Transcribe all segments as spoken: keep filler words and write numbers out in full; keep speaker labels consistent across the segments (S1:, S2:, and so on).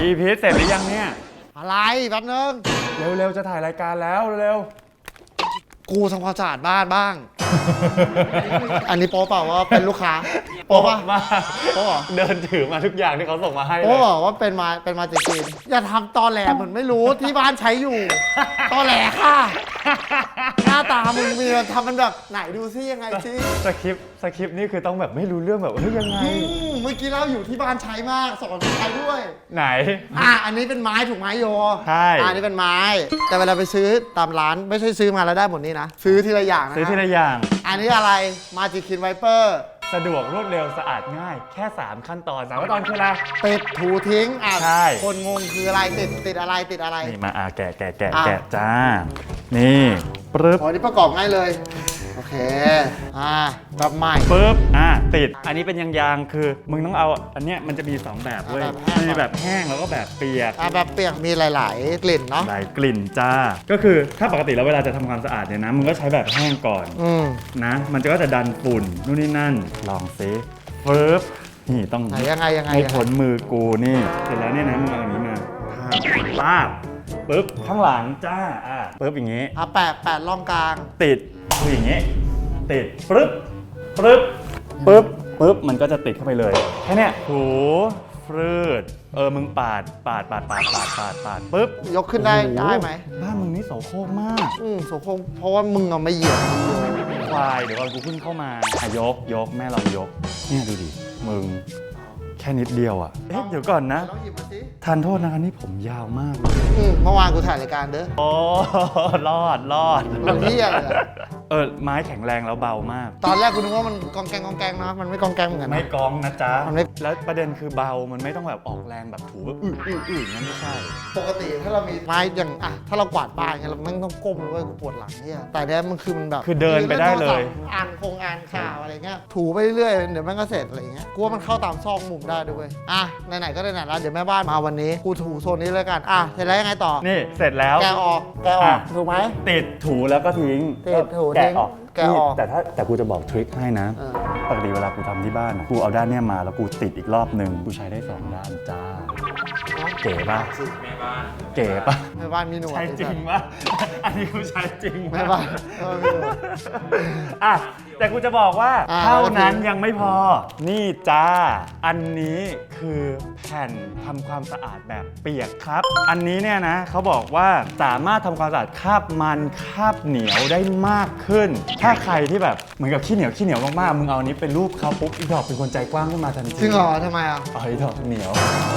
S1: อีพีเสร็จหรือยังเนี่ย
S2: อะไรแป๊บนึง
S1: เร็วๆจะถ่ายรายการแล้วเร็ว
S2: กูทำความสะอาดบ้านบ้าง อันนี้โป๊เปล่าว่าเป็นลูกค้าโป๊ป่ะ
S1: มา
S2: โป๊เหรอ
S1: เดินถือมาทุกอย่างที่เขาส่งมาให้
S2: โป๊บอกว่าเป็นมาเป็นมาจากจีนอย่าทำตอแหลเหมือนไม่รู้ที่บ้านใช้อยู่ตอแหลค่ะหน้าตามึงมีทำมันแบบไหนดูซิยังไงซิ
S1: สคริปต์สคริปต์นี่คือต้องแบบไม่รู้เรื่องแบบเฮ้ยยังไง
S2: เมื่อกี้เล่าอยู่ที่บ้านใช้มากสอนใช้ด้วย
S1: ไหน
S2: อ่ะอันนี้เป็นไม้ถูกไหมโย
S1: ใช่
S2: อันนี้เป็นไม้แต่เวลาไปซื้อตามร้านไม่ใช่ซื้อมาแล้วได้หมดนี้นะซื้อทีละอย่างนะ
S1: ซื้อทีละอย่าง
S2: อันนี้อะไรมาจิคินไวเปอร์
S1: สะดวกรวดเร็วสะอาดง่ายแค่สามขั้นตอนสามขั้นตอนคืออะไร
S2: ติดถูทิ้งอ่ะ
S1: ใช่
S2: คนงงคืออะไรติดติดอะไรติดอะไร
S1: นี่มาอ่ะแกะแกะแกะแกะจ้านี่ปึ๊บ
S2: อ๋อนี่ประกอบง่ายเลยโอเคอ่าแบบใหม่
S1: ปึ๊บอ่ะติดอันนี้เป็นยางๆคือมึงต้องเอาอันเนี้ยมันจะมีสองแบบเว้ยมีแบบแห้งแล้วก็แบบเปียก
S2: อ่ะแบบเปียกมีหลายๆกลิ่นเนาะ
S1: หลายกลิ่นจ้าก็คือถ้าปกติแล้วเวลาจะทำความสะอาดเนี่ยนะมึงก็ใช้แบบแห้งก่อน
S2: อืม
S1: นะมันจะก็จะดันฝุ่นนู่นนี่นั่นลองซิปึ๊บนี่ต้อง
S2: ยังไงยังไง
S1: ให้ผลมือกูนี่เสร็จแล้วเนี่ยนะมึงเอาอันนี้มาป้าบปึ๊บข้างหลังจ้าอ่ะปึ๊บอย่างงี้
S2: อ่ะแปะแปะร่องกลาง
S1: ติดคืออย่างงี้ติดปึ๊บปึ๊บปึ๊บปึ๊บมันก็จะติดเข้าไปเลยแค่เนี้ยถูฟรืดเออมึงปาดปาดปาดปาดปาดปาดปาดปึ๊บ
S2: ยกขึ้นได้ได้ไหม
S1: บ้านมึงนี่โสโครกมาก
S2: อืมโสโครกเพราะว่ามึงเอาไม่เหยียบ
S1: ควายเดี๋ยวก่อนกูขึ้นเข้ามาอ่ะยกยกแม่เรายกเนี่ยดูดิมึงแค่นิดเดียวอ่ะเอ๊ะเดี๋ยวก่อนนะทานโทษนะคะนี่ผมยาวมากเลย
S2: เมื่อวานกูถ่ายรายการเด้อ
S1: โอ้รอดรอด
S2: มันเที่ยเลย
S1: เออไม้แข็งแรงแล้วเบามาก
S2: ตอนแรกกูนึกว่ามันกองแกงกองแกงนะมันไม่กองแกงเหมือนกัน
S1: ไม่กองนะจ๊ะมันไม่แล้วประเด็นคือเบามันไม่ต้องแบบออกแรงแบบถูแบบอื้ออื้ออื้องั้นไม่ใช่
S2: ปกติถ้าเรามีไม้อย่างอ่ะถ้าเรากวาดบ้านเงี้ยเราไม่ต้องก้มเลยกูปวดหลังเนี่ยแต่เนี้ยมันคือมันแบบ
S1: คือเดินไปได้เลย
S2: อ่านคงอ่านข่าวอะไรเงี้ยถูไปเรื่อยๆเดี๋ยวมันก็เสร็จอะไรเงี้ยกูว่ามันเข้าตามซอกมุมได้ด้วยอ่ะไหนๆก็ไหนๆแล้วเดี๋ยวแม่บ้านมาวันนี้กูถูโซนนี้เลยกันอ่ะเสร็จแล้วยังไงต่อ
S1: นี่เสร็จแล้ว
S2: แกะออกแกะออกถูกไหม
S1: ติดถูแล้วก็ทิ้ง
S2: ติดถูทิ้ง
S1: แกะออกแต่ถ้าแต่กูจะบอกทริคให้นะปกติเวลากูทำที่บ้านกูเอาด้านเนี้ยมาแล้วกูติดอีกรอบหนึ่งกูใช้ได้สองด้านจ้าเก๋ป่ะแม่บ้านเก๋ป่ะ
S2: แม่บ้านมีหนวด
S1: ใช้จริงป่ะอันนี้กูใช้จริง
S2: แม่บ้าน
S1: อ่ะแต่กูจะบอกว่าเท่านั้นยังไม่พอนี่จ้าอันนี้คือแผ่นทำความสะอาดแบบเปียกครับอันนี้เนี่ยนะเขาบอกว่าสามารถทำความสะอาดคราบมันคราบเหนียวได้มากขึ้นถ้าใครที่แบบเหมือนกับขี้เหนียวขี้เหนียวมากๆมึงเอาอันนี้เป็นรูปเขาปุ๊บอีดอกเป็นคนใจกว้างขึ้นมาทันที
S2: จริงเหรอทำไมอ่ะ
S1: อ๋ออีดอกเหนียว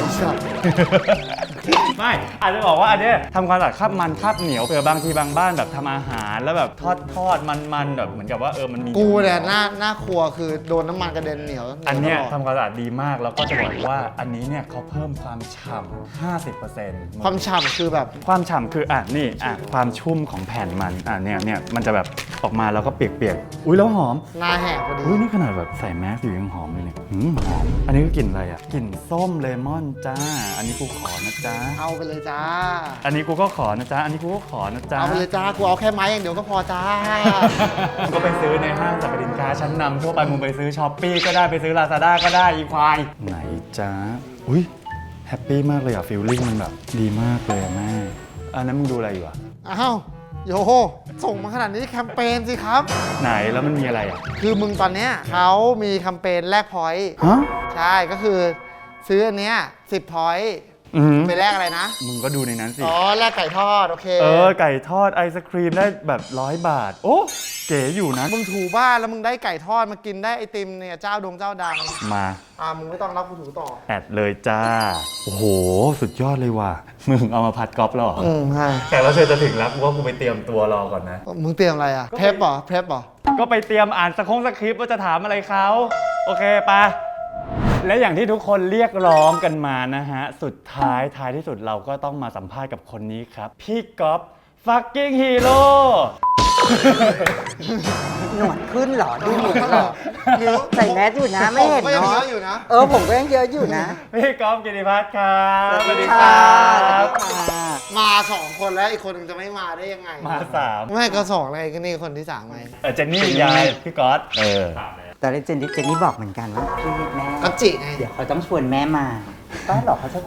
S1: ไม่อาจจะบอกว่าอันนี้ทำความสะอาดคราบมันคราบเหนียวเผื่อบางทีบางบ้านแบบทำอาหารแล้วแบบทอดทอดมันๆแบบเหมือนกับว่าเออมันมี
S2: กูเนี่ยหน้าหน้าครัวคือโดนน้ำมันกระเด็นเหนียว
S1: อันเนี้ยทำความสะอาดดีมากแล้วก็จะบอกว่าอันนี้เนี่ยเขาเพิ่มความฉ่ำ ห้าสิบเปอร์เซ็นต์
S2: ความฉ่ำคือแบบ
S1: ความฉ่ำคืออ่ะนี่อ่ะความชุ่มของแผ่นมันอ่ะเนี่ยเนี่ยมันจะแบบออกมาแล้วก็เปียกๆอุ้ยแล้วหอม
S2: หน้าแหกพอดี
S1: อุ้ยนี่ขนาดแบบใส่แมสอยู่ยังหอมเลยเนี่ยหืมหอมอันนี้ก็กลิ่นอะไรอ่ะกลิ่นส้มเลมอนจ้าอันนี้กูขอนะจ้า
S2: เอาไปเลยจ้า
S1: อันนี้กูก็ขอนะจ้าอันนี้กูก็ขอนะจ้า
S2: เอาไปเลยจ้ากูเอาแค่ไม้อย่างเดียวก็พอจ้า
S1: ก็ไปซื้อในห้างสรรพสินค้าชั้นนำทั่วไปมึงไปซื้อช้อปปี้ก็ได้ไปซื้อลาซาด้าก็ได้อีควายไหนจ้าอุ้ยแฮปปี้มากเลยอ่ะฟีลลิ่งมันแบบดีมากเลยแม่อันนั้นมึงดูอะไรอยู่อ่ะ
S2: อ้าวโยโฮส่งมาขนาดนี้แคมเปญสิครับ
S1: ไหนแล้วมันมีอะไรอ่ะ
S2: คือมึงตอนเนี้ยเขามีแคมเปญแลกพอยต์
S1: ฮะ
S2: ใช่ก็คือซื้ออันเนี้ยสิบพอยต์ไปแลกอะไรนะ
S1: มึงก็ดูในนั้นสิ
S2: อ๋อแลกไก่ทอดโอเค
S1: เออไก่ทอดไอศครีมได้แบบร้อยบาทโอ้เก๋อยู่นะ
S2: มึงถูบ้านแล้วมึงได้ไก่ทอดมากินได้ไอติมเนี่ยเจ้าดงเจ้าดัง
S1: มา
S2: อ่ามึงไม่ต้องรับกูถูต่อ
S1: แอดเลยจ้าโอ้โหสุดยอดเลยว่ะมึงเอามาผัดกอล์ฟหรอ
S2: อืมใช่
S1: แต่ว่าเธอจะถึงแล้วกูว่ากูไปเตรียมตัวรอก่อนนะ
S2: มึงเตรียมอะไรอ่ะเพรปเหรอเพรปเหรอ
S1: ก็ไปเตรียมอ่านสคงสคริปต์ว่าจะถามอะไรเขาโอเคปะและอย่างที่ทุกคนเรียกร้องกันมานะฮะสุดท้ายท้ายที่สุดเราก็ต้องมาสัมภาษณ์กับคนนี้ครับพี่ก๊อฟฟักกิ้งฮีโร่
S3: หนวดขึ้นเหรอดูหนวดเหรอใส่แมสอยู่นะไม่เห็นเนาะเออผมก็ยังเยอะอยู่นะ
S1: พี่ก๊อฟกิติพัฒน์ครับสวัสดีครับ
S2: มาสองคนแล้วอีกคนนึงจะไม่มาได้ยังไง
S1: มาสาม
S2: ไม่ก็สองอะไรก็นี่คนที่สามไง
S1: เออเจนนี่ยายพี่ก๊อฟเออ
S3: ตอนนี้เจนนี่เจนนี่บอกเหมือนกันว่าพี่แม่
S2: ก็จิไง
S3: เดี๋ยวเขาต้องชวนแม่มาป้าหรอกเขาจะคุย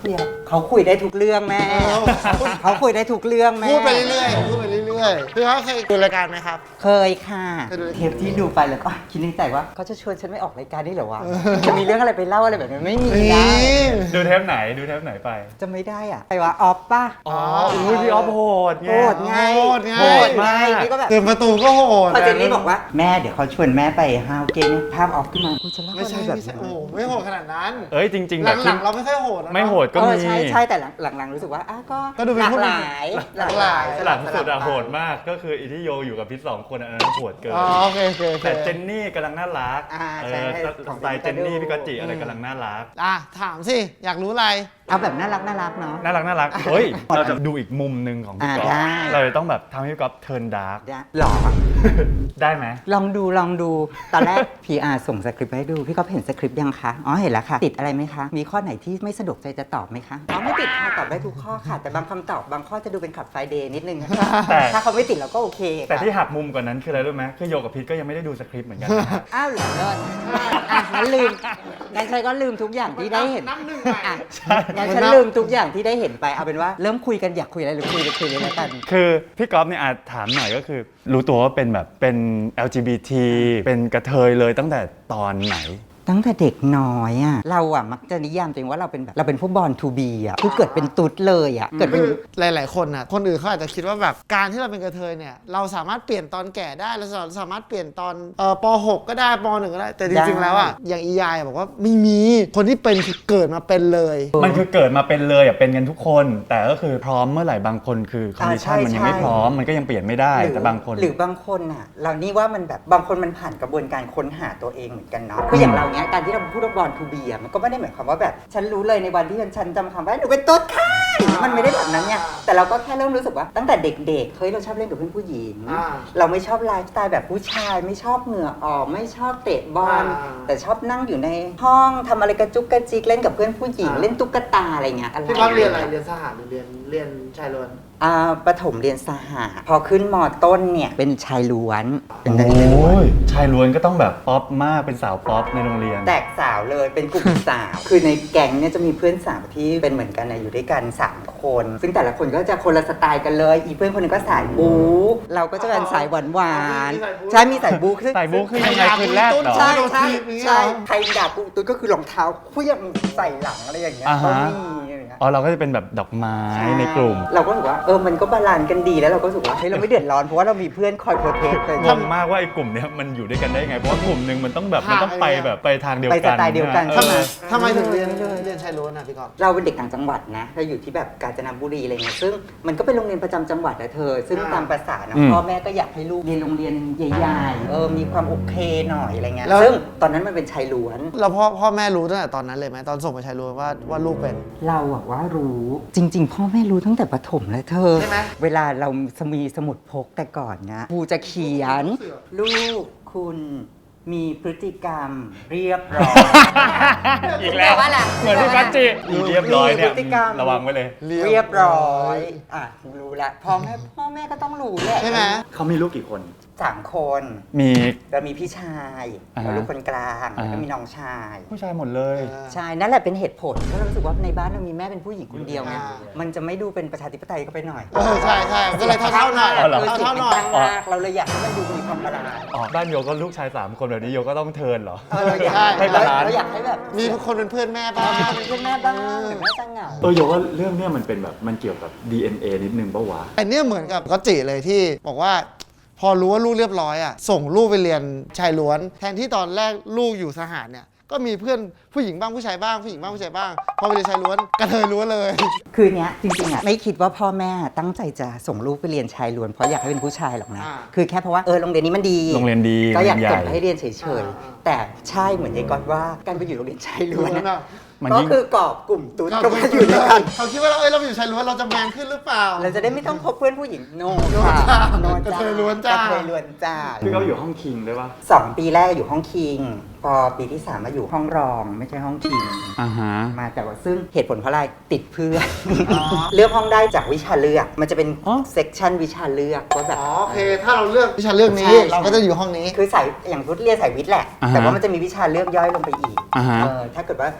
S3: เขาคุยได้ทุกเรื่องแม่
S2: เออ
S3: เขาคุยได้ทุกเรื่องแม่
S2: พูดไปเรื่อยๆพูดไปเรื่อยๆคือเขาเคยดูรายการไหมครับ
S3: เคยค่ะ
S2: เคยดู
S3: เทปที่ดูไปแล้วก็คิดในใจว่าเขาจะชวนฉันไม่ออกรายการได้เหรอวะจะมีเรื่องอะไรไปเล่าอะไรแบบนี้ไม่มี
S2: นี่
S3: นะ
S1: ดูเทปไหนดูเทปไหนไป
S3: จะไม่ได้อ่ะไปว่าออฟป่ะ
S1: อ๋ออุ้ยพี่ออฟโหดไง
S3: โหดไง
S2: โหดไง
S3: โหดไงนี่ก็แบบ
S2: เตือนประตูก็โหด
S3: พอเจนนี่บอกว่าแม่เดี๋ยวเขาชวนแม่ไปฮาวเกนภาพออฟขึ้นมากูจะเล่า
S2: ไม่
S3: อะไร
S2: ใช่
S3: แบบ
S2: ไม่ใช่
S3: นี้
S2: โอ้ไม่โหดขนาดนั้น
S1: เอ้ยจริง ๆ แบบ
S2: หลั
S1: ที่
S2: งๆเราไม่ค่อยโหดนะ
S1: ไม่โหดก็
S3: เออ
S1: มี
S3: ใช่ใช่แต่หลังหลังๆรู้สึกว่าอ่ะก็
S2: ก็ดูเป็น
S3: หลาก
S2: ผู้
S3: ห
S2: หญิง
S3: ลาย
S2: หลากหลาย
S1: หลังสุดอะโหดมากก็คืออีที่โยอยู่กับพิษสองคนอันนั้นโหดเกิน
S2: อ๋อโอเคโอเคโอเค
S1: แต่เจนนี่กำลังน่ารัก
S3: อ่า
S1: เอ
S3: ใช่
S1: อ
S3: ใช่
S1: สไตล์เจนนี่พี่กอตจิอะไรกำลังน่ารัก
S2: อ่ะถามสิอยากรู้อะไร
S3: เอาแบบน่ารักน่ารักเนาะ
S1: น่ารักน่ารักเฮ้ยเราจะดูอีกมุมหนึ่งของพี่
S3: อ่า
S1: ก๊อฟ
S3: ได้
S1: เราจะต้องแบบทำให้พี่ก๊อฟเทิร์นดาร์ก
S3: ได้หรอ
S1: ได้ไหม
S3: ลองดูลองดู ตอนแรก พี อาร์ ส่งสคริปต์ให้ดู พี่ก็เห็นสคริปต์ยังคะ อ๋อ เห็นแล้วค่ะ ติดอะไรไหมคะ มีข้อไหนที่ไม่สะดวกใจจะตอบไหมคะ อ๋อ ไม่ติดค่ะ ตอบได้ทุกข้อค่ะ แต่บางคำตอบบางข้อจะดูเป็นขับไฟเดย์นิดนึงนะคะ
S1: แต่
S3: ถ้าเขาไม่ติดเราก็โอเคค่ะ
S1: แต่ที่หักมุมกว่านั้นคืออะไรรู้ไหมคือโยกับพิษก็ยังไม่ได้ดูสคริปต์เหมือนกันนะ
S3: อ้าวเหรอเลิศอ่ะงั้นลืมงั้นฉันก็ลืมทุกอย่างที่ได้เห็น
S2: นับหนึ่งใหม่
S3: อ่ะงั้นฉันลืมทุกอย่างที่ได้เห็นไป เอาเป็นว่าเริ่มคุยกันอยากคุยอะไรหรือคุยเลยคุยเลยแล้วกัน
S1: คือพี่ก๊อฟเนี่ยอาจถามหน่อยก็คือ รู้ตัวว่าเป็นแบบเป็น แอล จี บี ที เป็นกระเทยเลยตั้งแต่ตอนไหน
S3: ตั้งแต่เด็กน้อยอ่ะเราอ่ะมักจะนิยามตัวเองว่าเราเป็นแบบเราเป็นพวกบอลทูบีอ่ะคือเกิดเป็นตุ๊ดเลยอ่ะเกิดเป็น
S2: คือหลาย ๆ คนอ่ะ คนอื่นเขาอาจจะคิดว่าแบบการที่เราเป็นกระเทยเนี่ย เราสามารถเปลี่ยนตอนแก่ได้ เราสามารถเปลี่ยนตอนเอ่อป หก ก็ได้ป หนึ่ง ก็ได้ แต่จริง ๆ แล้วอ่ะ อย่างอียายบอกว่าไม่มี คนที่เป็นคือเกิดมาเป็นเลย
S1: มันคือเกิดมาเป็นเลยอ่ะเป็นกันทุกคน แต่ก็คือพร้อมเมื่อไหร่บางคนคือคอนดิชัน
S3: อ่าใช่
S1: มันยังไม่
S3: ใช่
S1: พร้อมมันก็ยังเปลี่ยนไม่ได้
S3: หรือ
S1: แต่บางคน
S3: หรือบางคนอ่ะเรานี่ว่ามันแบบบางคนมันผ่านกระบวนการค้นหาตัวเองเหมือนกันเนาะคืออย่างเราเนี้ยการที่เราพูดว่าบอลทูบีอ่ะมันก็ไม่ได้หมายความว่าแบบฉันรู้เลยในวันที่ฉันจำคำว่าหนูเป็นตุ๊ดค่ะมันไม่ได้แบบนั้นเนี่ยแต่เราก็แค่เริ่มรู้สึกว่าตั้งแต่เด็กๆเฮ้ยเราชอบเล่นกับเพื่อนผู้หญิง
S2: อ่า
S3: เราไม่ชอบไลฟ์สไตล์แบบผู้ชายไม่ชอบเหงื่อออกไม่ชอบเตะบอล
S2: อ่า
S3: แต่ชอบนั่งอยู่ในห้องทำอะไรกระจุกกระจิกเล่นกับเพื่อนผู้หญิง
S2: อ่า
S3: เล่นตุ๊กตาอะไรเงี้ยอะไร
S2: พี่ก๊อฟเรียนอะไร เรียนสหารหรือเรียนเรียนชายล้วน
S3: อ่าประถมเรียนสหะพอขึ้นมต้นเนี่ยเป็นชายล้วนเป็นนัก
S1: โอ
S3: เรียนล้ว้ น
S1: ยชายล้วนก็ต้องแบบป๊อปมากเป็นสาวป๊อปในโรงเรียน
S3: แตกสาวเลยเป็นกลุ่ม สาว คือในแก๊งเนี่ยจะมีเพื่อนสาวที่เป็นเหมือนกันนะอยู่ด้วยกันสามคน ซึ่งแต่ละคนก็จะคนละสไตล์กันเลย อีเพื่อนคนหนึงก็สายบู๊เราก็จะเป็นสายหวานหวานๆใช่มีสายบู๊คือ
S1: สายบู๊คือยังไงคือแรกเหรอ
S3: ใช่
S2: โดน
S3: ใช่
S2: ถีบอย่างเงี้ย
S3: ใช่
S2: เหรอ
S3: ใครด่ากูตุ้ยก็คือรองเท้าเคลื่องใส่หลังอะไรอย่างเงี้ย
S1: อ่า
S3: ก็
S1: ฮะ
S3: มีอะไรอย่างเงี้ย
S1: อ๋อเราก็จะเป็นแบบดอกไม้ในกลุ่ม
S3: เราก็รู้สึกว่าเออมันก็บาลานซ์กันดีแล้วเราก็รู้สึกว่าเฮ้ยเราไม่เดือดร้อนเพราะว่าเรามีเพื่อนคอยโปรเทคเลย
S1: งงมากว่าไอ้กลุ่มเนี้ยมันอยู่ด้วยกันได้ไง เพราะว่ากลุ่มหนึ่งมันต้องแบบมันต้องไปแบบไปทางเดียว
S3: ไป
S1: กัน
S3: สไตล์เดียวกัน
S1: ออ
S3: ใช่ไหม
S2: ทำไมถึงเรียนเรียนชายล้วนอ่ะพี่ก๊อฟ
S3: เราเป็นเด็กต่างจังหวัดนะเราอยู่ที่แบบกาญจนบุรีอะไรเงี้ยซึ่งมันก็เป็นโรงเรียนประจำจังหวัดอะเธอ ซึ่ง
S2: อ่า
S3: ตามภาษานะ
S1: อืม
S3: พ่อแม่ก็อยากให้ลูกเรียนโรงเรียนใหญ่ๆเออมีความโอเคหน่อยอะไรเงี้ย
S2: แล้ว
S3: ซึ่งตอนนั้นมันเป็นชายล้วน
S2: แล้วพ่อพ่อแม่รู้ตั้งแต่ตอนนั้นเลยไหมตอนส่งไปชายล้วนว่าว่าลูกเป็น
S3: เราอะว่ารู้จริง ๆ พ่อแม่รู้ตั้งแต่ประถมเลยเธอ
S2: ใช่ไหม
S3: เวลาเรามีสมุดพกแต่ก่อนนะครูจะเขียน ลูกคุณมีพฤติกรรมเรียบร้อย
S1: อีกแล้ว
S3: แปลว่าอะไร
S1: เหมือนพี่กัจจิอีเรียบร้อยเนี่ย
S3: มีพฤติกรรม
S1: ระวังไว้เลย
S3: เรียบร้อยอ่ะรู้ละพ่อแม่พ่อแม่ก็ต้องรู้แหละ
S2: ใช่ไหม
S1: เขามีลูกกี่คน
S3: สามคน
S1: มี
S3: แล้วมีพี่ชาย
S1: อ่าฮะ
S3: แล้วลูกคนกลาง
S1: อ่า
S3: แล้ว
S1: ฮะ
S3: ก็มีน้องชาย
S1: ผู้ชายหมดเลย
S3: ใช่นั่นแหละเป็นเหตุผลเพราะเรารู้สึกว่าในบ้านเรามีแม่เป็นผู้หญิงคนเดียวไง
S2: อ่า
S3: มันจะไม่ดูเป็นประชาธิปไตยก็ไปหน่อย
S2: เออใช่ใช่ก็เลยเท่าๆหน่อย
S1: อ๋อเหรอ
S2: เท่าๆหน่อย
S3: ตั้งมากเราเลยอยากให้มันดูมีความบาลานซ์
S1: อ๋อบ้านโยก็ลูกชายสามคนแบบนี้โยก็ต้องเทิร์นเหรอ
S3: เออเราอยาก
S2: ใช่
S1: ให้บาลานซ์
S3: เราอยากให้แบบ
S2: มีคนเป็นเพื่อนแม่บ้าง
S3: เราเป็นเพื่อนแม่บ้างหรือแม่จะเหงา
S1: เออโยว่าเรื่องเนี้ยมันเป็นแบบมันเกี่ยวกับ ดี เอ็น เอ นิดนึงปะวะ
S2: อันเนี้ยเหมือนกับก็จิเลยที่บอกว่า พอรู้ว่าลูกเรียบร้อยอ่ะส่งลูกไปเรียนชายล้วน แทนที่ตอนแรกลูกอยู่สหารเนี่ยก็มีเพื่อนผู้หญิงบ้างผู้ชายบ้างผู้หญิงบ้างผู้ชายบ้างพอไปเรียนชายล้วนกระเทยล้วนเลย
S3: คือเนี้ยจริงๆอ่ะไม่คิดว่าพ่อแม่ตั้งใจจะส่งลูกไปเรียนชายล้วนเพราะอยากให้เป็นผู้ชายหรอกนะ
S2: อ่า
S3: คือแค่เพราะว่าเออโรงเรียนนี้มันดี
S1: โรงเรียนดี
S3: ก็อยาก
S1: โรงเรียน
S3: ส่ง
S1: ใหญ่
S3: ให้เรียนเฉย
S2: อ่า
S3: ๆแต่ใช่เหมือนยายก๊อตว่าการไปอยู่โรงเรียนชายล้วนนะ
S1: มัน
S3: ก็
S1: ยิ่ง
S3: คือกอบกลุ่มตุ๊ดก็มาอยู่ด้วยกัน
S2: เขาคิดว่าเราเอ้ยเราอยู่ชายล้วนเราจะแมนขึ้นหรือเปล่า
S3: เราจะได้ไม่ต้องพบเพื่อนผู้หญิงโน
S2: โน
S3: ค่ะ
S2: จ้า
S3: โน
S2: กระเทยล้วนจ้าก
S3: ระเทยล้วนจ้า
S1: พี่ก็อยู่ห้องคิงด้วยปะ
S3: สองปีแรกอยู่ห้องคิงพอปีที่สามมาอยู่ห้องรองไม่ใช่ห้องคิง
S1: อ่าฮะ
S3: มาแต่ว่าซึ่งเหตุผลเพราะอะไรติดเพื่อน เลือกห้องได้จากวิชาเลือก มันจะเป็น
S1: อ๋อ
S3: เซกชันวิชาเลือกว่าแบบ
S2: อ๋อโอเค ถ้าเราเลือกวิชาเลือกนี้
S3: ใช่
S2: เราก็จะอยู่ห้องนี้
S3: คือสายอย่างพุทธเรียนสายวิทย์แหละ
S1: อ่าฮะ
S3: แต่ว่ามันจะมีวิชาเลือกย่อยลงไปอีก
S1: อ่าฮะ
S3: เออถ้าเกิดว่าเลือกสาย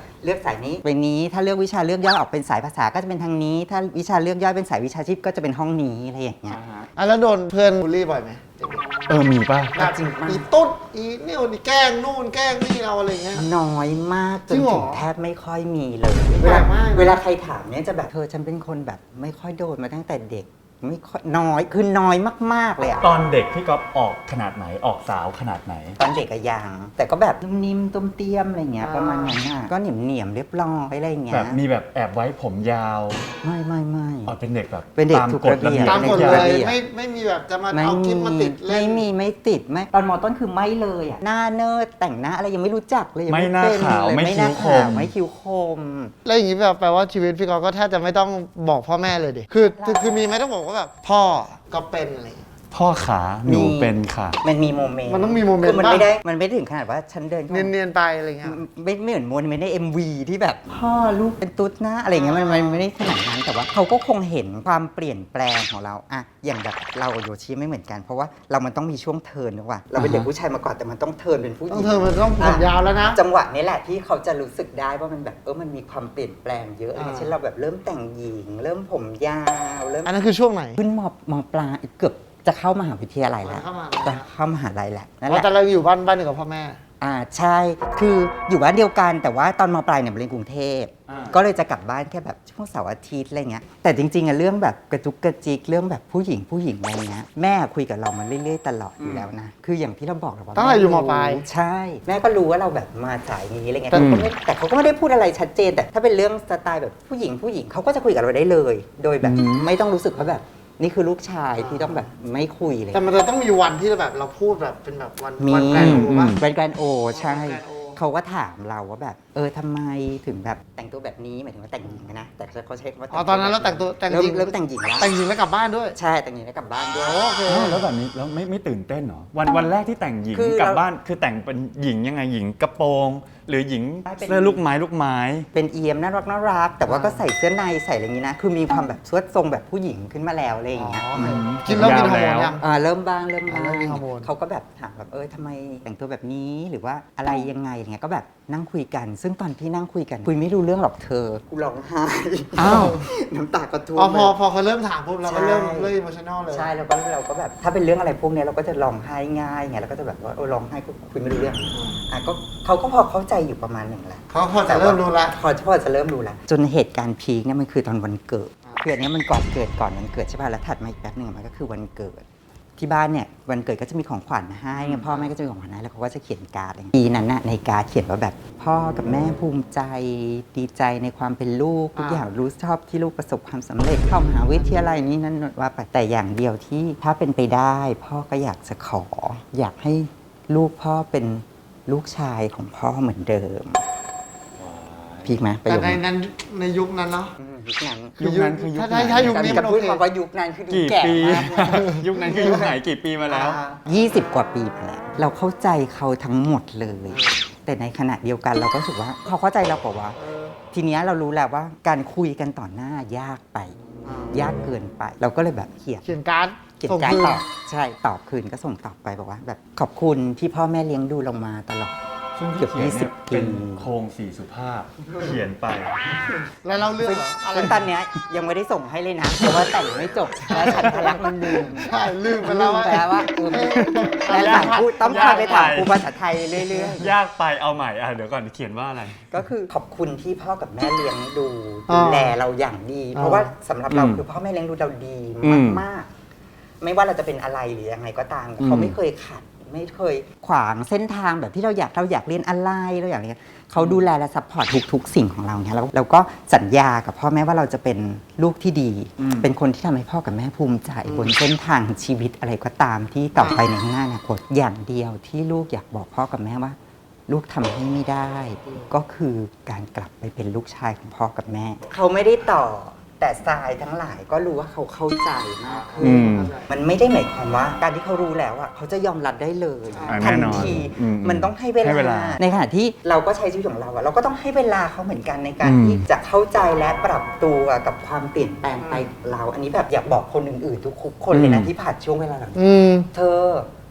S3: ายนี้ไปนี้ถ้าเลือกวิชาเลือกย่อยออกเป็นสายภาษาก็จะเป็นทางนี้ ถ้าวิชาเลือกย่อยเป็นสายวิชาชีพก็จะเป็นห้องนี้อะไรอย่างเงี้ย
S2: อ่ะแล้วโดนเพื่อนบูลลี่บ่อยไหม
S1: เออมีป่ะ
S2: แบบ
S3: จริงมาก
S2: อีตุ๊ดอีนี่วนี่แกล้งนู่นแกล้งนี่เราอะไรเงี้ย
S3: น้อยมากจ
S2: จริ
S3: น
S2: งเหรอ
S3: ถึงแทบไม่ค่อยมีเลย
S2: แป
S3: เว
S2: ล
S3: ลาก
S2: มากนะ
S3: เวลาใครถามเนี่ยจะแบบเธอฉันเป็นคนแบบไม่ค่อยโดนมาตั้งแต่เด็กไม่ค่อยน้อยคือน้อยมากๆเลยอะ
S1: ตอนเด็กพี่ก๊อฟออกขนาดไหนออกสาวขนาดไหน
S3: ตอนเด็กอะยังแต่ก็แบบนุ่มนิ่มตุ้มเตี้ยมอะไรเงี้ยประมาณนั้นอะก็เหนียมเหนียมๆเรียบร้อยอะไรเงี้
S1: แบ
S3: ย
S1: บมีแบบแอบไว้ผมยาว
S3: ไม่ไม่ไม่
S1: อ๋อเป็นเด็กแบบ
S3: เป็นเด็ก
S1: ตาม
S3: ถูก
S1: กฎ
S3: ระเบี
S1: ระ
S3: ยบ
S1: เบียบ
S2: ตามกฎ
S3: ใน
S2: เล
S3: ระ
S2: ย
S3: เบียบ
S2: ไม่ไม่มีแบบจะมา
S3: ไม่
S2: เอาคลิป
S3: มี
S2: มาติดเล่
S3: ไม่
S2: น
S3: มีไม่ติดไม่ตอนมอต้นคือไม่เลยอะหน้าเนิร์ดแต่งหน้าอะไรยังไม่รู้จักเลยยัง
S1: ไม่หน้า
S3: เป็น
S1: ขาว
S3: เลย
S1: ไม่
S3: ไม่ห
S1: คิ้
S3: น้าว
S1: ค
S3: ขาว
S1: ม
S3: ไม่คิ้วคม
S2: แล้วอย่างนี้แบบแปลว่าชีวิตพี่กอฟก็แทบจะไม่ต้องบอกพ่อแม่เลยดิคือคือคือมีไหมต้องบอกว่าแบบพ่อก็เป็นอะไรอย่างเงี้ย
S1: พ่อขาหนูเป็นค่ะ
S3: มันมีโมเมนต์
S2: มันต้องมีโมเมนต์
S3: คือมัน
S2: บ้าง
S3: ไม่ได้มันไม่ได้ถึงขนาดว่าฉันเดินเข้า
S2: เนี
S3: มา
S2: ยนเนียนๆไปอะไรเงี้ย
S3: ไม่ไม่เหมือนโมเมนต์ใน เอ็ม วี ที่แบบพ่อลูกเป็นตุ๊ดนะอะไรเงี้ยมันมันไม่ได้ขนาดนั้นแต่ว่าเขาก็คงเห็นความเปลี่ยนแปลงของเราอะอย่างแบบเรากับโยชิไม่เหมือนกัน เพราะว่าเรามันต้องมีช่วงเทิร์นด้วยว่าเราเป็นเด็กผู้ชายมาก่อนแต่มันต้องเทิร์นเป็นผู้ห
S2: ต้อ
S3: ญิ
S2: ง
S3: ง
S2: เธอมันต้องผมยาวแล้วนะ
S3: จังหวะนี้แหละที่เขาจะรู้สึกได้ว่ามันแบบเออมันมีความเปลี่ยนแปลงเยอะอะไรเงี้ย
S2: อ่า
S3: เช่นเราแบบเริ่มแต่งหญิง เริ่มผมยาวเริ่ม
S2: อันนั้นคือช่วงไหน
S3: ขึ้นมมปลายเกือบจะเข้ามหาวิทยาลัยแล้ว
S2: เข้ามา
S3: จะเข้ามหาลัยแล้วนั่น
S2: อ๋
S3: แห
S2: อ
S3: ละ
S2: แต่เราอยู่บ้านบ้านเดียวกับพ่อแม่
S3: อ่าใช่ คืออยู่บ้านเดียวกันแต่ว่าตอนมปลายเนี่ยเรียนกรุงเทพ
S1: อ่า
S3: ก็เลยจะกลับบ้านแค่แบบช่วงเสาร์อาทิตย์อะไรเงี้ย แต่จริงๆอะเรื่องแบบกระจุกกระจิกเรื่องแบบผู้หญิงผู้หญิงอะไรเงี้ยแม่คุยกับเรามันเรื่อยๆตลอดอยู่แล้วนะ คืออย่างที่เราบอกเราว่า
S2: ตั้งแต่อยู่มปลาย
S3: ใช่ แม่ก็รู้ว่าเราแบบมาสายนี้อะไรเงี้ย
S2: แต่
S3: เขาก็ไม่แต่เขาก็ไม่ได้พูดอะไรชัดเจน แต่ถ้าเป็นเรื่องสไตล์แบบผู้หญิงผู้หญิงเขาก็จะคุยกับเราได้เลย โดยแบบไม่ต้องรู้สึกว่าแบบนี่คือลูกชายที่ต้องแบบไม่คุยเลย
S2: แต่มันจะต้องมีวันที่แบบเราพูดแบบเป็นแบบวัน
S3: มี
S2: วันแกรนด์โอป่ะ
S3: เป็นแกรนโอใช่
S2: Grand O
S3: เขาก็ถามเราว่าแบบเออทำไมถึงแบบแต่งตัวแบบนี้หมายถึงว่าแต่งหญิงนะแต่เขาใช้คำว่า
S2: อ๋อตอนนั้นเราแต่งตัวแต่ง
S3: เริ่ม
S2: หญิง
S3: เริ่มแต่งหญิงแล้ว
S2: แต่งหญิงแล้วกลับบ้านด้วย
S3: ใช่แต่งหญิงแล้วกลับบ้านด้วย
S2: โอเค
S1: อ้าวแล้วแบบนี้แล้วไม่ไม่ตื่นเต้นเหรอวันวันแรกที่แต่งหญิง
S3: คือก
S1: ลับ
S3: เรา
S1: บ้านคือแต่งเป็นหญิงยังไงหญิงกระโปรง หรือหญิง
S3: เป็น
S1: เสื้อลูกไม้ลูกไม้
S3: เป็นเอียมน่ารักน่ารักแต่ว่าก็ใส่เสื้อในใส่อะไรอย่างนี้นะ คือมีความแบบสวดทรงแบบผู้หญิงขึ้นมาแล้วอะไรอย่างเงี้ย
S2: อ๋อ
S3: ม
S2: กินแล้วมีฮอร์โมนยัง
S3: อ่าเริ่มบ้างเริ่มบ้าง
S2: เริ่มมีฮอร์โมน
S3: เขาก็แบบถามแบบเออทำไมแต่งตัวแบบนี้หรือว่าอะไรยังไงอย่างเงี้ยก็แบบนั่งคุยกัน ซึ่งตอนที่นั่งคุยกันคุยไม่รู้เรื่องหรอกเธอกูร้องไห้
S1: อ้าว
S3: น้ำตาก็ท่ว
S2: อ๋อ
S3: ม
S2: พอ
S3: เลย
S2: พอเขาเริ่มถามปุ๊บเราก็
S3: ใช่
S2: เริ่มเริ่มอิโมชั่นอลเลย
S3: ใช่แล้วก็เราก็แบบถ้าเป็นเรื่องอะไรพวกเนี้ยเราก็จะร้องไห้ง่ายไงแล้วก็จะแบบว่าเออร้องไห้ก็คุยไม่รู้เรื่องอ่ะก็เขาก็พอเข้าใจอยู่ประมาณหนึ่งแหละ
S2: เขาพอจะเริ่มรู้ละ
S3: พอพอจะเริ่มรู้แล้วจนเหตุการณ์พีคเนี่ยมันคือตอนวันเกิดคืออันเนี้ยมันก่อนเกิดก่อนวันเกิดใช่ป่ะแล้วถัดมาอีกแป๊บหนึ่งมันก็คือวันเกิด ที่บ้านเนี่ยวันเกิดก็จะมีของขวัญให้ไงพ่อแม่ก็จะมีของขวัญให้แล้วเขาก็จะเขียนการ์ดอะไรอย่างเงี้ยปีนั้นน่ะในการ์ดเขียนว่าแบบพ่อกับแม่ภูมิใจดีใจในความเป็นลูกทุกอย่างรู้ชอบที่ลูกประสบความสำเร็จเข้ามหาวิทยาลัยนี้นั่นว่าไปแต่อย่างเดียวที่ถ้าเป็นไปได้ พ่อก็อยากจะขอ อยากให้ลูกพ่อเป็นลูกชายของพ่อเหมือนเดิมพีคไหมประ
S2: แต่
S3: โยค
S2: ใน
S3: นี้
S2: นั้นในยุคนั้นเนาะ
S3: อืมยุคนั้น
S1: ยุคนั้นคือยุค
S2: ถ้า
S1: ไหน
S2: ถ้ายุคนี้
S3: จะ
S2: มันโอ
S3: พูด
S2: เค
S3: คำว่ายุคนั้นคือดู
S1: กี่
S3: แก่
S1: ปี
S3: มากนะ
S1: ยุคนั้นคือยุคไหนกี่ปีมาแล้ว
S3: ยี่สิบกว่าปีมาแล้ว เราเข้าใจเขาทั้งหมดเลย แต่ในขณะเดียวกันเราก็รู้สึกว่าเขาเข้าใจเราเปล่าวะทีเนี้ยเรารู้แล้วว่าการคุยกันต่อหน้ายากไป ยากเกินไป เราก็เลยแบบเขียน
S2: เขียนการ์ด
S3: เขียน
S2: ส่ง
S3: การ
S2: คืน
S3: ตอบใช่ตอบคืนก็ส่งตอบไปบอกว่าแบบขอบคุณที่พ่อแม่เลี้ยงดูเรามาตลอด
S1: ซึ่ง
S3: เกื
S1: ที่
S3: อบ
S1: เขียน
S3: ยี่สิ
S1: เนี่
S3: บ
S1: ยเป็น
S3: ปี
S1: โครงสี่สุภาพ เขียนไป
S2: แล้วเล่าเรื่องเหรออะไร
S3: ซึ่งตอนเนี้ยยังไม่ได้ส่งให้เลยนะ เพราะว่าแต่งไม่จบแล้วฉันทะลักมันลืม
S2: ใช่ลืมไปแล้วว่า
S3: ลืมไปแล้วว่าเออแล้วถามครูต้องคอยไปถามครูภาษาไทยเรื่อยๆ
S1: ยากไปเอาใหม่อ่ะเดี๋ยวก่อนเขียนว่าอะไร
S3: ก็คือขอบคุณที่พ่อกับแม่เลี้ยงดู
S2: อ่า
S3: ดูแลเราอย่างดี เพราะว่าสำหรับเรา
S1: อืม
S3: คือพ่อแม่เลี้ยงดูเราดี
S1: อืม
S3: มากๆ ไม่ว่าเราจะเป็นอะไรหรือยังไงก็ตาม
S1: อืม
S3: เขาไม่เคยขัด ไม่เคยขวางเส้นทางแบบที่เราอยากเราอยากเรียนอะไรเราอยากเรียนเขาดูแลและซัพพอร์ตทุกๆ สิ่งของเราเนี่ยแล้วเราก็สัญญากับพ่อแม่ว่าเราจะเป็นลูกที่ดี เป็นคนที่ทำให้พ่อกับแม่ภูมิใจบนเส้นทางชีวิตอะไรก็ตามที่ต่อไปในข้างหน้าอนาคตอย่างเดียวที่ลูกอยากบอกพ่อกับแม่ว่า ลูกทำให้ไม่ได้ ก็คือการกลับไปเป็นลูกชายของพ่อกับแม่ เขาไม่ได้ต่อแต่ทรายทั้งหลายก็รู้ว่าเขาเข้าใจมากขึ้
S1: อื
S3: น
S1: ม
S3: มันไม่ได้หมายความว่าการที่เขารู้แล้วอ่ะเขาจะยอมรับได้เลย
S1: อ่า
S3: ทั
S1: แน่นอน
S3: ที
S1: อืม
S3: มันต้องให้เว
S1: ให้เวลา
S3: ลา ในขณะที่เราก็ใช้ชีวิตของเราอะเราก็ต้องให้เวลาเขาเหมือนกันในการ
S1: อืม
S3: ที่จะเข้าใจและปรับตัวกับความเปลี่ยนแปลงไปของเรา อันนี้แบบอยากบอกคนอื่นๆทุกคนเลยนะที่ผ่านช่วงเวลาเหล่านี้
S2: อืม
S3: เธอ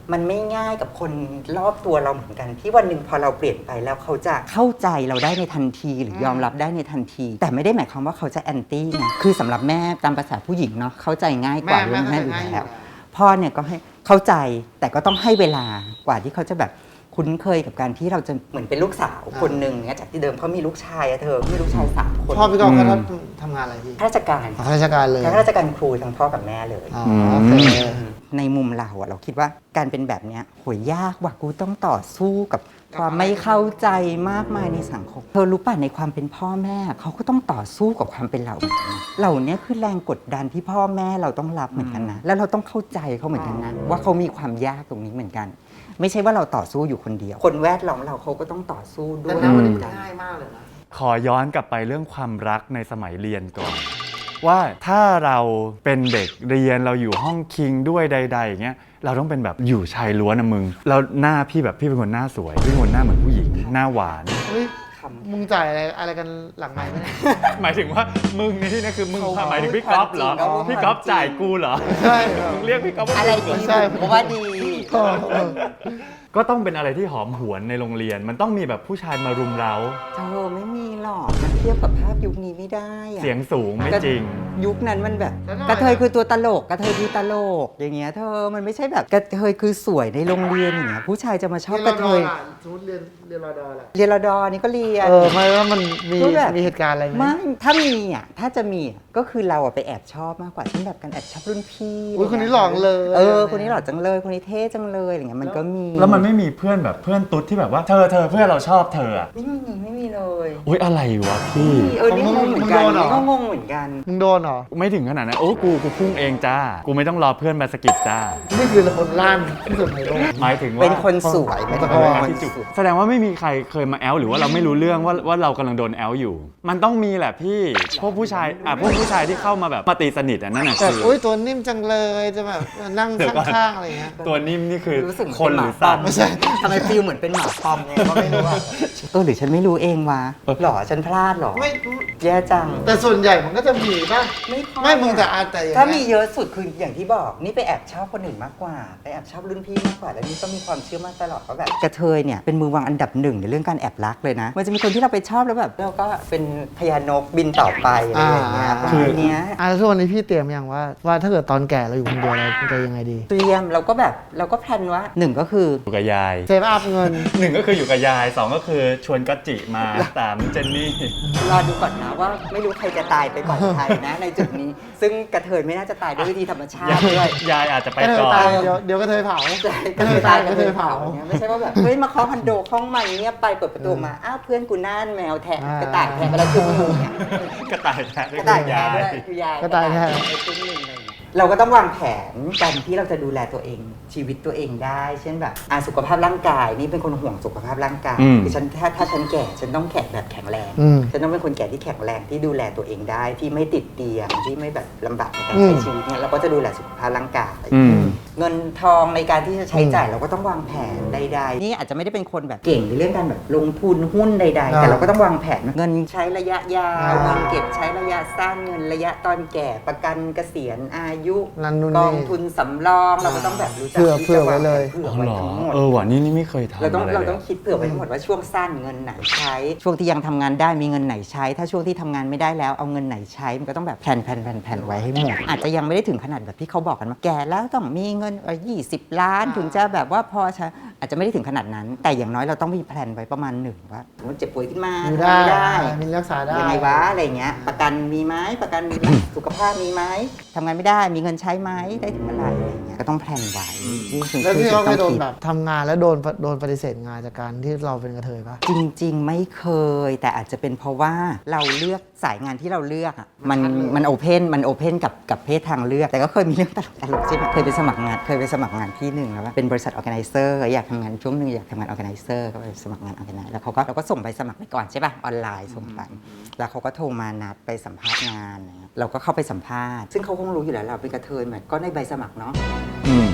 S3: มันไม่ง่ายกับคนรอบตัวเราเหมือนกัน ที่วันหนึ่งพอเราเปลี่ยนไปแล้วเขาจะเข้าใจเราได้ในทันทีหรือยอมรับได้ในทันที แต่ไม่ได้หมายความว่าเขาจะแอนตี้นะคือสำหรับแม่ตามภาษาผู้หญิงเนาะเข้าใจง่ายกว่า
S2: แม่
S3: เรื่องแม่
S2: แม่
S3: อยู่
S2: เข้าใจง่ายอยู่
S3: แล้
S2: แล้ว ว
S3: พ่อเนี่ยก็ให้เข้าใจแต่ก็ต้องให้เวลากว่าที่เขาจะแบบคุ้นเคยกับการที่เราจะเหมือนเป็นลูกสาวคนหนึ่งเนี่ยจากที่เดิมเขามีลูกชายอะเธอมีลูกชายสามคน
S2: พ่อพี่กอล์ฟเขาทำงานอะไรพี่
S3: ข้าราชการ
S2: อ๋อข้าราชการเลย
S3: ข้าราชการครูทั้งพ่อกับแม่เลย
S2: อ๋อโอเค
S3: ในมุมเราอะเราคิดว่าการเป็นแบบเนี้ยโหยยากว่ะกูต้องต่อสู้กับความไม่เข้าใจมากมายในสังคมเธอรู้ป่ะในความเป็นพ่อแม่เขาก็ต้องต่อสู้กับความเป็นเราเหมือนกันนะเหล่านี้คือแรงกดดันที่พ่อแม่เราต้องรับเหมือนกันนะแล้วเราต้องเข้าใจเขาเหมือนกันนะว่าเขามีความยากตรงนี้เหมือนกัน ไม่ใช่ว่าเราต่อสู้อยู่คนเดียว คนแวดล้อมเราเขาก็ต้องต่อสู้ด้
S2: แต่
S3: วย
S2: ณวันนี้มันง่ายมากเลยนะ
S1: ขอย้อนกลับไปเรื่องความรักในสมัยเรียนก่อน ว่าถ้าเราเป็นเด็กเรียนเราอยู่ห้องคิงด้วยใดๆอย่างเงี้ยเราต้องเป็นแบบอยู่ชายล้วนนะมึงแล้วหน้าพี่แบบพี่เป็นคนหน้าสวยพี่เป็นคนหน้าเหมือนผู้หญิงหน้าหวาน
S2: เฮ้ยมึงจ่ายอะไรอะไรกันหลังไมค์ไหมเนี่ย
S1: หมายถึงว่ามึงในที่นี้คือมึง
S3: เขา
S1: หมายถึงพี่ก๊อฟเหรอ
S3: ความจริง
S1: พี่ก๊อฟจ่ายกูเหรอ
S2: ใช่ครับ
S1: มึงเรียกพี่ก๊อฟว่า
S3: อะไร
S1: มึง
S3: ดี
S1: เหรอ
S2: ใช่
S3: ผมว่าดี
S2: เออเออ
S1: ก็ต้องเป็นอะไรที่หอมหวนในโรงเรียน มันต้องมีแบบผู้ชายมารุมเร้า
S3: เธอไม่มีหรอกมันเทียบกับภาพยุคนี้ไม่ได้อะ
S1: เสียงสูงไม่จริง
S3: ยุคนั้นมันแบบ
S2: แล้วหน่อย
S3: กระเทยคือตัวตลกกระเทยคือตลกอย่างเงี้ยเธอมันไม่ใช่แบบกระเทยคือสวยในโรงเรียนอย่างเงี้ยผู้ชายจะมาชอบกระเทย
S2: สมมติเรียนเรียนรอดอแหละ
S3: เรียนรอดอนี่ก็เรียน
S2: เออไม่ว่ามันมี
S3: ก็แบบ
S2: มีเหตุการณ์อะไรไหม
S3: ไม่ถ้ามีอ่ะถ้าจะมีอ่ะก็คือเราอ่ะไปแอบชอบมากกว่าเช่นแบบการแอบชอบรุ่นพี่
S2: อุ้ยคนนี้หลอกเลย
S3: เออคนนี้หล่อจังเลยคนนี้เท่จังเลยอะไรเงี้ยมันก็มี
S1: แล้วมันไม่มีเพื่อนแบบเพื่อนตุ๊ดที่แบบว่าเธอเธอเพื่อนเราชอบเธออะ
S3: ไม่มีไม่มีเลย
S1: อุ้ยอะไรวะพี่
S3: เออนี่งงเหมือนกันนี่ก็งงเหมือนกัน
S2: มึงโดนเหรอ
S1: ไม่ถึงขนาดนั้นโอ้กูกูพุ่งเองจ้า กูไม่ต้องรอเพื่อนมาสะกิดจ้า
S2: นี่คือคนล้านที่สุดในโลก
S1: หมายถึงว่า
S3: เป็นคนสวยเป็น
S2: อ๋
S3: ค
S2: อ
S3: น
S1: ที่
S3: ส
S1: จุด
S3: วย
S1: แสดงว่าไม่มีใครเคยมาแอลหรือว่าเราไม่รู้เรื่องว่าว่าเรากำลังโดนแอลอยู่ มันต้องมีแหละพี่พวกผู้ชายอ่ะพวกผู้ชายที่เข้ามาแบบมาตีสนิทอ่ะนั่นน่ะ
S2: แบบ
S1: คือ
S2: อุ้ยตัวนิ่มจังเลยจะแบบนั่ง
S1: เดี๋ยวก่อน
S2: ข้างๆอะไรเงี้ย
S1: ตัวนิ่มนี่คือ
S3: รู้สึกเหมือน
S1: คน
S3: เป็น
S1: ห
S3: ห
S1: รื
S3: มา
S1: อ
S3: ปอ
S1: สั
S3: ม
S1: ตว์
S2: ไม่ใช่
S3: ทำไมฟิลเหมือนเป็นหมาปอมไงก็ไม่รู้อะเออหรือฉันไม่รู้เองวะหรอฉันพลาดหรอ
S2: ไม่
S3: แย่จัง
S2: แต่ส่วนใหญ่มันก็จะมีป่ะ
S3: ไม่ค่อย
S2: ไม่มึงแต่อาแต่อย่าง
S3: ถ้ามี
S2: เงี้ย
S3: เยอะสุดคืออย่างที่บอกนี่ไปแอบชอบคนอื่นมากกว่าไปแอบชอบรุ่นพี่มากกว่าแล้วนี่ก็มีความเชื่อมั่นตลอดว่าแบบกระเทยเนี่ยเป็นมือวางอันดับหนึ่งในเรื่องการแอบรักเลยนะมันจะมีคนที่เราไปชอบแล้วแบบเราก็เป็นพญานกบินต่อไปอะไรอย่างเงี้ยประมาณเนี้ย
S2: อ่าแล้วทุกวันนี้พี่เตรียมยังว่าว่าถ้าเกิดตอนแก่เราอยู่คนเดียวเราจะยังไงดี
S3: เตรียมเราก็แบบเราก็แพลนว่าหนึ่งก็คือ
S1: อยู่กับยาย
S2: เซฟอัพเงิน
S1: หนึ่งก็คืออยู่กับยายสองก็คือชวนกัจจิมาสามเจนนี่
S3: รอดูก่อนนะว่าไม่รู้ใครจะตายไปก่อนใครนะในจุดนี้ ซึ่งกระเทยไม่น่าจะตายด้วยวิธีธรรมชาติ
S1: ยาย
S3: ด้วย
S1: ยายอาจจะไป
S2: ก็เธ
S1: ก่
S2: อ
S1: อน
S2: ตายเดี๋ยวเดี๋ยวก็เธอเผา
S3: กระเทยตายก
S2: ก็
S3: ระ
S2: เธ
S3: เท
S2: อย เผา
S3: เผาเนี่ยไม่ใช่ว่าแบบเฮ้ยมาเคาะคอนโดห้องใหม่เงียบไปเปิดประตูมาอ้าวเพื่อนกูน่านแมวแทะ
S2: อ่าก
S3: ระต่ายแทะไปแล้วคือมึงเนี่ย
S1: กระต่ายแท้
S3: กระต่ายแทะด้วยคือยาย
S2: กระต่ายแทะ
S3: ไปครึ่งหนึ่งอะไรอย่างเงี้ยเราก็ต้องวางแผนการที่เราจะดูแลตัวเองชีวิตตัวเองได้ เช่นแบบอ่ะสุขภาพร่างกายนี่เป็นคนห่วงสุขภาพร่างกายคือฉันถ้าถ้าฉันแก่ฉันต้องแข็งแบบแข็งแรง
S2: อืม
S3: ฉันต้องเป็นคนแก่ที่แข็งแรงที่ดูแลตัวเองได้ที่ไม่ติดเตียงที่ไม่แบบลำบากในการ
S2: อื
S3: ใช้
S2: ม
S3: ชีวิตเนี่ยเราก็จะดูแลสุขภาพร่างกาย
S1: อืม
S3: เงินทองในการที่จะใช้จ่ายเราก็ต้องวางแผนใดๆนี่อาจจะไม่ได้เป็นคนแบบเก่งในเรื่องการแบบลงทุนหุ้นใด ๆ แต่เราก็ต้องวางแผนเงินใช้ระยะยาว
S2: อ่า
S3: เงินเก็บใช้ระยะสั้นเงินระยะตอนแก่ประกันเกษียณอายุ
S2: นั่นนู่น
S3: ก
S2: นี่
S3: องทุนสำรองเราก็ต้องแบบรู้จัก
S2: เผื่อ
S3: ที่
S2: เผื่อ
S3: จะ
S2: ไว้เลย
S3: เผื่อ
S1: อ๋อ
S3: ไว้
S1: เหรอ
S3: ทั้งหมด
S1: เออว่ะนี่นี่ไม่เคยทำ
S3: เราต้อง
S1: อะไร
S3: เรา
S1: เลย
S3: ต้องคิดเผื่อไว้ทั้งหมดว่าช่วงสั้นเงินไหนใช้ ช่วงที่ยังทำงานได้มีเงินไหนใช้ ถ้าช่วงที่ทำงานไม่ได้แล้วเอาเงินไหนใช้มันก็ต้องแบบแผนแผนแผนแผนไว้ให้หมดอาจจะยังไม่ได้ถึงขนาดแบบที่เขาบอกกันว่าแก่แล้วต้องมีเงินยี่สิบล้านถึงจะแบบว่าพอใช้อาจจะไม่ได้ถึงขนาดนั้น แต่อย่างน้อยเราต้องมีแผนไว้ประมาณหนึ่งว่าสมมติเจ็บป่วยขึ้นมา
S2: อยู่
S3: ทำ
S2: ได้
S3: ไม่ได้
S2: มีรักษาได้
S3: ยังไงวะอะไรเงี้ยประกันมีไหมประกันสุขภาพมีไหมทำงานไม่ได้มีเงินใช้ไหมได้ถึงเมื่อไหร่อะไรเงี้ยก็ต้องแผนไว้นี่คือ
S2: แล้วพี่
S3: สิ่ง
S2: เขาเค
S3: ที่
S2: ยโด
S3: ต้อง
S2: น
S3: คิด
S2: แบบทำงานแล้วโดนโดนปฏิเสธงานจากการที่เราเป็นกระเทยปะ
S3: จริงๆ ไม่เคย แต่อาจจะเป็นเพราะว่าเราเลือกสายงานที่เราเลือกอะมันมันโอเพนมันโอเพนกับกับเพศทางเลือก แต่ก็เคยมีเรื่องตลกตลกใช่ไหมเคยไปสมัครงานเคยไปสมัครงานที่หนึ่งแล้วว่าเป็นบริษัทออแกไนเซอร์อยากทำงานช่วงหนึ่งอยากทำงานออแกไนเซอร์ก็ไปสมัครงานออแกไนแล้วเขาก็เราก็ส่งใบสมัครไปก่อนใช่ป่ะออนไลน์ส่งไปแล้วเขาก็โทรมานัดไปสัมภาษณ์งานอะไรเงี้ยเราก็เข้าไปสัมภาษณ์ซึ่งเขาคงรู้อยู่แล้วเราเป็นกระเทยเหมือนก็ในใบสมัครเนาะ
S1: อืม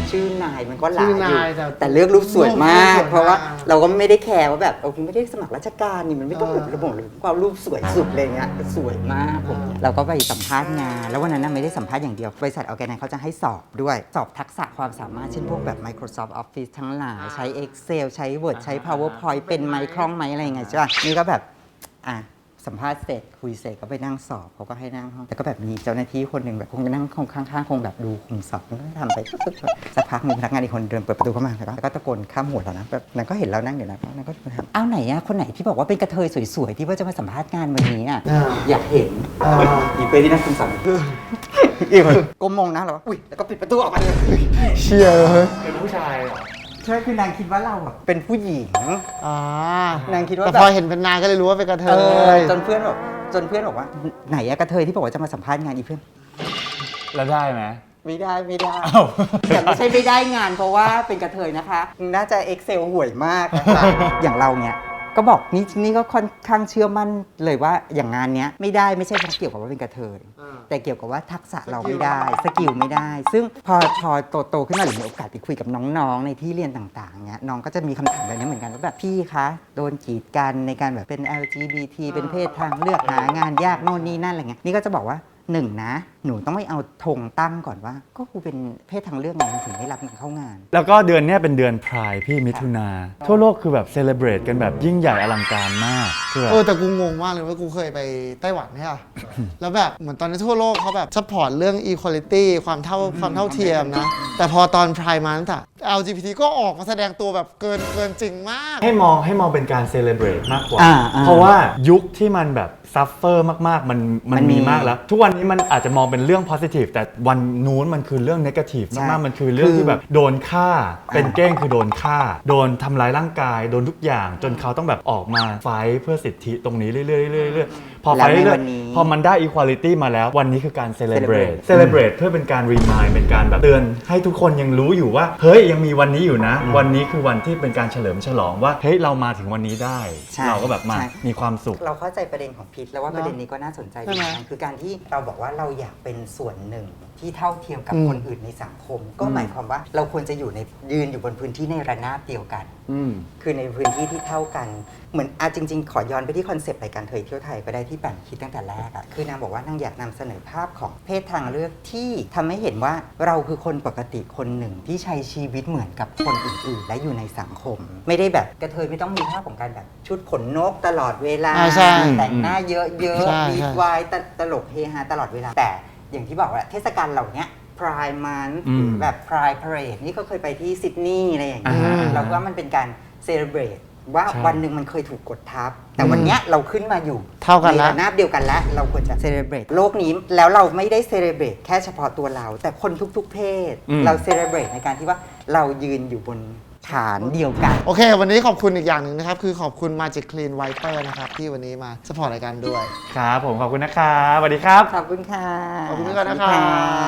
S3: ชื่อนายมันก็หลาย
S2: ชื่
S3: อ
S2: อยู่ นายแต่
S3: แต่เลือกรูปสวยมาก
S2: รูปสวยมาก
S3: เพราะว่าเราก็ไม่ได้แคร์ว่าแบบเราไม่ได้สมัครราชการนี่มันไม่ต้อง
S2: เออ
S3: แบบระบบหรือความรูปสวยสุดอะไรเงี้ยสวยมากผมเราก็ไปสัมภาษณ์งานแล้ววันนั้นน่ะไม่ได้สัมภาษณ์อย่างเดียวบริษัทออร์แกไนซ์เขาจะให้สอบด้วยสอบทักษะความสามารถเช่นพวกแบบ Microsoft Office ทั้งหลายใช้ Excel ใช้ Word ใช้ PowerPoint เป็นไหมคล่องไหมอะไรไงใช่ป่ะนี่ก็แบบอ่ะสัมภาษณ์เสร็จคุยเสร็จก็ไปนั่งสอบเขาก็ให้นั่งห้องแต่ก็แบบมีเจ้าหน้าที่คนหนึ่งแบบคงจะนั่งข้างๆคงแบบดูคุมสอบก็ทำไปสักพักมีพนักงานอีกคนเดินเปิดประตูเข้ามาแล้วก็ตะโกนข้ามหัวเรานะแบบนางก็เห็นเรานั่งอยู่นะนางก็ถามอ้าวไหนอะคนไหนที่บอกว่าเป็นกระเทยสวยๆที่ว่าจะมาสัมภาษณ์งานวันนี้อะ
S2: อ่า
S3: อยากเห็น
S2: อ่า
S3: อีเป้ที่นั่งคุมสอบอีกคนก้มมองนะเราอุ้ยแล้วก็ปิดประตูออกมาเลย
S2: เชียร์เลย
S1: เป็นผู้ชายเหรอ
S3: ใช่คือนางคิดว่าเราอะเป็นผู้หญิง
S2: อ่าน
S3: างคิดว่า
S2: แต่
S3: แบบ
S2: พอเห็นเป็นนายก็เลยรู้ว่าเป็นกระเท
S3: เออย จนเพื่อนบอกจนเพื่อนบอกว่าไหนอะกระเทยที่บอกว่าจะมาสัมภาษณ์งานอีเพื่อน
S1: แล้วได้ไหม
S3: ไม่ได้ไม่ได้
S1: อ้าว
S3: แต่ไม่ใช่ไม่ได้งานเพราะว่าเป็นกระเทยนะคะ น่าจะ Excel ห่วยมากนะคะ อย่างเราเนี่ยก็บอกนี่นี่ก็ค่อนข้างเชื่อมั่นเลยว่าอย่างงานเนี้ยไม่ได้ไม่ใช่เพราะเกี่ยวกับว่าเป็นกระเทย
S2: อ่า
S3: แต่เกี่ยวกับว่าทักษะเราไม่ได้สกิลไม่ได้ ซึ่งพอพอโตโตขึ้นมาหรือมีโอกาสไปคุยกับน้องๆ ในที่เรียนต่างๆเนี้ยน้องก็จะมีคำถามแบบนี้เหมือนกันว่าแบบพี่คะโดนกีดกันในการแบบเป็น แอล จี บี ที เป็นเพศทางเลือกหางานยากโน่นนี่นั่นอะไรเงี้ยนี่ก็จะบอกว่าหนึ่งนะ หนูต้องไม่เอาธงตั้งก่อนว่า ก็กูเป็นเพศทางเลือกไงถึงได้รับเข้างาน
S1: แล้วก็เดือนเนี้ยเป็นเดือนพรายพี่มิถุนา ทั่วโลกคือแบบเซเลบรตกันแบบยิ่งใหญ่อลังการมากคือแบบ
S2: เออแต่กูงงมากเลยว่ากูเคยไปไต้หวันใช่ป่ะ แล้วแบบเหมือนตอนนี้ทั่วโลกเขาแบบซัพพอร์ตเรื่อง equality ความเท่าความเท่าเทียมนะ แต่พอตอน Pride Month อะ แอล จี บี ที ก็ออกมาแสดงตัวแบบเกินเกินจริงมาก
S1: ให้มองให้มองเป็นการเซเลบรตมากกว่า
S3: อ่าอ่า
S1: เพราะว่ายุคที่มันแบบซัฟเฟอร์มากๆ มันมัน
S3: มันมี
S1: มีมากแล้ว ทุกวันนี้มันอาจจะมองเป็นเรื่อง positive แต่วันนู้นมันคือเรื่อง negative
S3: ใช่
S1: มากๆ มันคือเรื่อง
S3: คือ
S1: ที่แบบโดนฆ่า เป็นเก้งคือโดนฆ่า โดนทำร้ายร่างกาย โดนทุกอย่าง จนเขาต้องแบบออกมาไฟท์เพื่อสิทธิตรงนี้เรื่อยๆเรื่อยๆเรื่อยๆพอไฟท์
S3: แล้วใน
S1: เรื่อ
S3: วั
S1: ย
S3: นนี้
S1: ๆพอมันได้ equality มาแล้ว วันนี้คือการ celebrate
S3: celebrate
S1: celebrate เพื่อเป็นการ remind เป็นการแบบเตือนให้ทุกคนยังรู้อยู่ว่า เฮ้ยยังมีวันนี้อยู่นะ วันนี้คือวันที่เป็นการเฉลิมฉลองว่า เฮ้ยเรามาถึงวันนี้ได้
S3: ใช่
S1: เราก็แบบมา
S3: ใช่
S1: มีความสุข
S3: เราเข้าใจประเด็นของพิษแล้วว่า
S2: เนอะ
S3: ประเด็นนี้ก็น่าสนใจ
S2: ใช่
S3: เห
S2: ไหม
S3: มือนกันคือการที่เราบอกว่าเราอยากเป็นส่วนหนึ่งที่เท่าเทียมกับ
S2: อืม
S3: คนอื่นในสังคม ก็หมายความว่าเราควรจะอยู่ในยืนอยู่บนพื้นที่ในระนาบเดียวกัน
S1: อืม
S3: คือในพื้นที่ที่เท่ากัน เหมือนอาจริง ๆ ขอย้อนไปที่คอนเซปต์รายการเทยเที่ยวไทยก็ได้ที่ปั่นคิดตั้งแต่แรกอะคือนางบอกว่านางอยากนำเสนอภาพของเพศทางเลือกที่ทำให้เห็นว่าเราคือคนปกติคนหนึ่งที่ใช้ชีวิตเหมือนกับคนอื่นๆ และอยู่ในสังคม ไม่ได้แบบกระเทยไม่ต้องมีภาพของการแบบชุดขนนกตลอดเวลา
S2: อ่าใช่
S3: แต่งหน้าเยอะ
S2: ใช่
S3: ๆมี
S2: ใช่
S3: วายตลกเฮฮาตลอดเวลา แต่อย่างที่บอกว่าเทศกาลเหล่านี้ Pride Month
S1: อืม
S3: หรือแบบ Pride Parade นี่ก็เคยไปที่ซิดนีย์อะไรอย่างเงี้ย
S1: อ่า
S3: เราว่ามันเป็นการ celebrate ว่า
S1: ใช่
S3: วันหนึ่งมันเคยถูกกดทับ แต่วันเนี้ยเราขึ้นมาอยู่
S2: เท่ากัน
S3: ใน
S2: ละ
S3: ระนาบเดียวกันแล้ว เราควรจะ celebrate โลกนี้แล้วเราไม่ได้ celebrate แค่เฉพาะตัวเรา แต่คนทุกๆ เพศ
S1: อืม
S3: เรา celebrate ในการที่ว่าเรายืนอยู่บนฐานเดียวกัน
S2: โอเค วันนี้ขอบคุณอีกอย่างหนึ่งนะครับ คือขอบคุณ Magic Clean Wiper นะครับ ที่วันนี้มาสปอร์ตรายการด้วย
S1: ครับผมขอบคุณนะครับสวัสดีครับ
S3: ขอบคุณค่ะ
S2: ขอบคุณด้วยนะครับ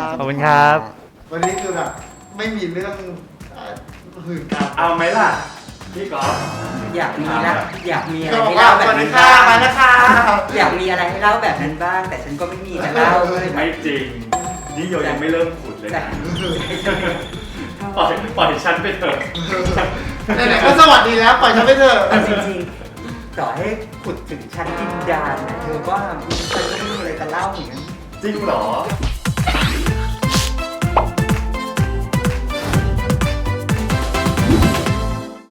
S1: ขอบคุณครับ
S2: วันนี้คือแบบไม่มีเรื่องหื่นกาม
S1: เอาไหมล่ะ พี่ก๊อฟ
S3: อยากมีละอยากมีอะไร
S2: ก็บอก
S3: ให้
S2: ว่า
S3: เล่าแบ
S2: ส
S3: บ
S2: วัสดี
S3: นั้น
S2: ค่ะ
S3: บ้าง
S2: มานะคะ
S3: อยากมีอะไรให้เล่าแบบนั้นบ้าง แต่ฉันก็ไม่มีจะเล่าเลย
S1: ไม่จริง นี่โยยังไม่เริ่มขุดเลย
S3: ใช่
S1: นะปล่อยปล่อยฉันไปเถอะ
S2: ไหนๆก็สวัสดีแล้ว ปล่อยฉันไปเถอะ
S3: เอาจริงๆต่อให้ขุดถึงชั้นดินดานนะเธอว่าฉันก็ไม่มีอะไรจะเล่าเหมือนกัน
S1: จริงเหรอ